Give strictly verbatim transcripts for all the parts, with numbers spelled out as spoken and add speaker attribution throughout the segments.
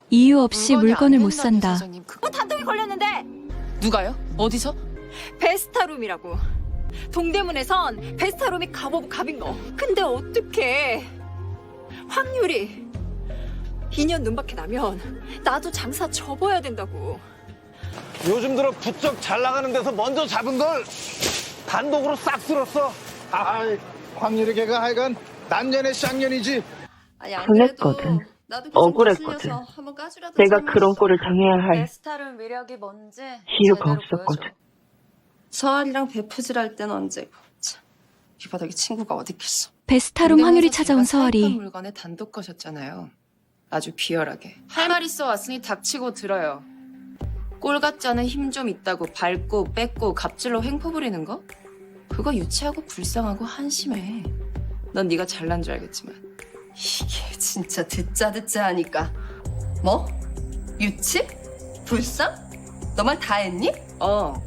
Speaker 1: 이유 없이
Speaker 2: 물건이
Speaker 1: 물건을
Speaker 2: 안
Speaker 1: 못
Speaker 2: 된다며,
Speaker 1: 산다.
Speaker 2: 사장님. 그...
Speaker 3: 어, 단독이 걸렸는데
Speaker 2: 누가요? 어디서?
Speaker 3: 베스타룸이라고. 동대문에선 베스타룸이 갑오브 갑인 거. 근데 어떡해. 확률이 이 년 눈밖에 나면 나도 장사 접어야 된다고.
Speaker 4: 요즘 들어 부쩍 잘 나가는 데서 먼저 잡은 걸 단독으로 싹 쓸었어.
Speaker 5: 아이, 확률이 걔가 하여간 남년의 쌍년이지.
Speaker 6: 아니, 안
Speaker 7: 설렜거든.
Speaker 6: 그래도 나도
Speaker 7: 억울했거든.
Speaker 6: 거슬려서 한번 까주라도
Speaker 7: 내가
Speaker 6: 삶았어.
Speaker 7: 그런 꼴을 당해야 할
Speaker 6: 베스타룸 위력이 뭔지
Speaker 7: 이유가
Speaker 6: 제대로
Speaker 7: 없었거든.
Speaker 6: 보여줘. 서아리랑 베프질 할 때는 언제고. 참, 이 바닥에 친구가 어디 있겠어.
Speaker 1: 베스타룸 확률이 찾아온
Speaker 6: 제가 사입한
Speaker 1: 서아리.
Speaker 6: 물건에 단독 거셨잖아요. 아주 비열하게. 할 말 있어 왔으니 닥치고 들어요. 꼴 같지 않은 힘 좀 있다고 밟고 뺏고 갑질로 횡포 부리는 거? 그거 유치하고 불쌍하고 한심해. 넌 네가 잘난 줄 알겠지만. 이게 진짜 듣자 듣자 하니까. 뭐? 유치? 불쌍? 너 말 다 했니? 어.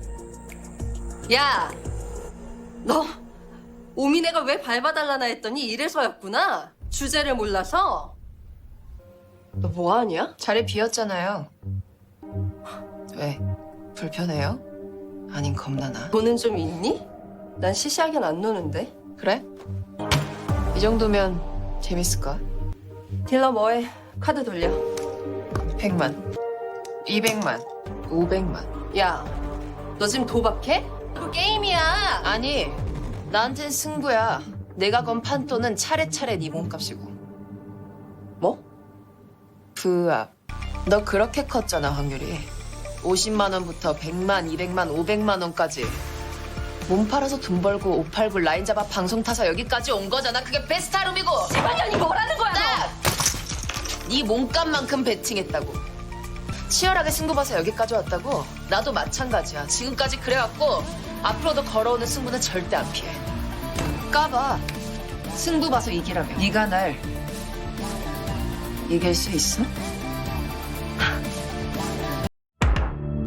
Speaker 6: 야! 너 오미네가 왜 밟아달라나 했더니 이래서였구나. 주제를 몰라서. 너 뭐하냐? 자리 비었잖아요. 왜? 불편해요? 아님 겁나나? 돈은 좀 있니? 난 시시하게는 안 노는데. 그래? 이 정도면 재밌을까? 딜러 뭐해? 카드 돌려. 백만, 이백만, 오백만. 야, 너 지금 도박해? 그 게임이야. 아니, 나한텐 승부야. 내가 건 판돈은 차례차례 네 몸값이고. 뭐? 부합. 너 그렇게 컸잖아, 확률이. 오십만 원부터 백만, 이백만, 오백만 원까지. 몸 팔아서 돈 벌고 옷 팔고 라인 잡아 방송 타서 여기까지 온 거잖아. 그게 베스타룸이고. 지만년이 뭐라는 거야, 너? 네 몸값만큼 베팅했다고. 치열하게 승부 봐서 여기까지 왔다고. 나도 마찬가지야. 지금까지 그래왔고 앞으로도 걸어오는 승부는 절대 안 피해. 까봐. 승부 봐서 이기라며. 네가 날 이길 수 있어?